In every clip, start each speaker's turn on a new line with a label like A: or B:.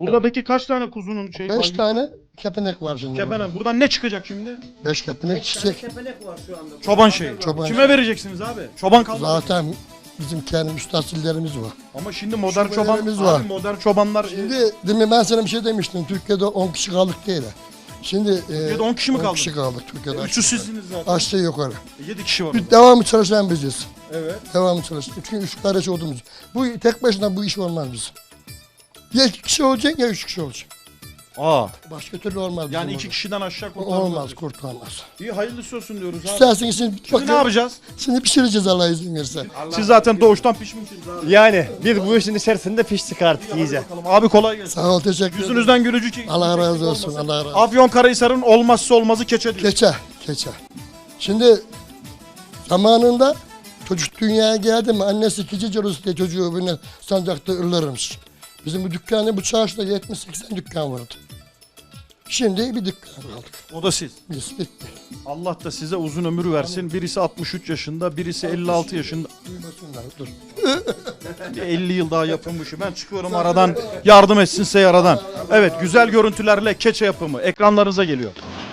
A: Burada peki kaç tane kuzunun
B: 5 tane kepenek var şimdi.
A: Kepenek. Buradan ne çıkacak şimdi?
B: 5 kepenek çiçek.
A: Çoban şeyi.
B: Çoban
A: Kime vereceksiniz abi? Çoban kalmadı.
B: Zaten bizim kendi müstahsillerimiz var.
A: Ama şimdi modern
B: Şubelerimiz
A: çoban
B: var.
A: abi, modern çobanlar
B: Şimdi demin ben sana bir şey demiştim. Türkiye'de 10 kişi kaldık değil. Şimdi
A: Türkiye'de 10 kişi mi
B: 10
A: kaldı?
B: kişi kaldık Türkiye'de.
A: Üçü sizsiniz zaten.
B: Aşağı yukarı.
A: 7 kişi var.
B: Bir devamlı çalışan biziz.
A: Evet.
B: Devamlı çalışan. Çünkü 3 kardeş olduğumuz. Bu tek başına bu iş olmaz bizim. Ya 2 kişi olacak ya 3 kişi olacak.
A: Aa.
B: Başka türlü olmaz.
A: Yani
B: bizim
A: 2
B: orada.
A: kişiden aşağı kurtarmaz.
B: Olmaz, kurtarmaz.
A: İyi hayırlısı olsun diyoruz abi.
B: İsterseniz şimdi,
A: Şimdi ne yapacağız?
B: Şimdi pişireceğiz Allah izin verirse.
A: Siz zaten doğuştan pişmişsiniz abi.
C: Yani biz bu işin içerisinde piştik artık iyice.
A: Bakalım. Abi kolay gelsin.
B: Sağ ol, teşekkür ederim.
A: Yüzünüzden gülücü ki.
B: Allah razı olsun, Allah razı olsun.
A: Afyonkarahisar'ın olmazsa olmazı keçe diyor.
B: Keçe. Şimdi zamanında çocuk dünyaya geldi mi annesi keçi cırısı diye çocuğu birine sancakta ırlarmış. Bizim bu dükkanda bu çarşıda 70-80 dükkan vardı. Şimdi bir dükkan kaldık.
A: O da siz.
B: Biz bitti.
A: Allah da size uzun ömür versin. Birisi 63 yaşında, birisi 56 yaşında.
B: Duymasınlar, dur.
A: Bir 50 yıl daha yapın bu işi. Ben çıkıyorum aradan. Yardım etsinse yaradan. Evet, güzel görüntülerle keçe yapımı ekranlarınıza geliyor.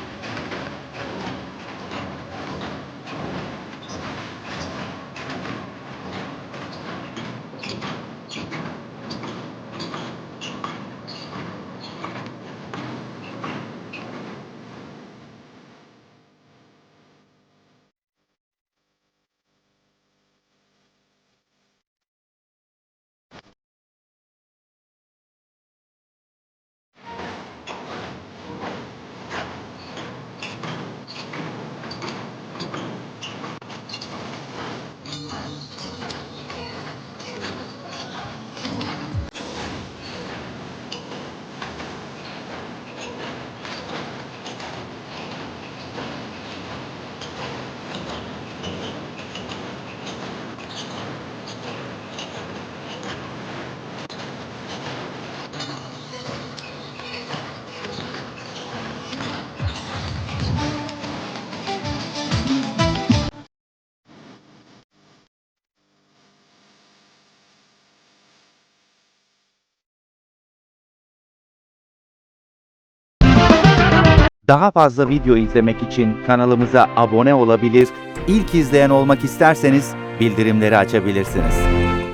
D: Daha fazla video izlemek için kanalımıza abone olabilir, ilk izleyen olmak isterseniz bildirimleri açabilirsiniz.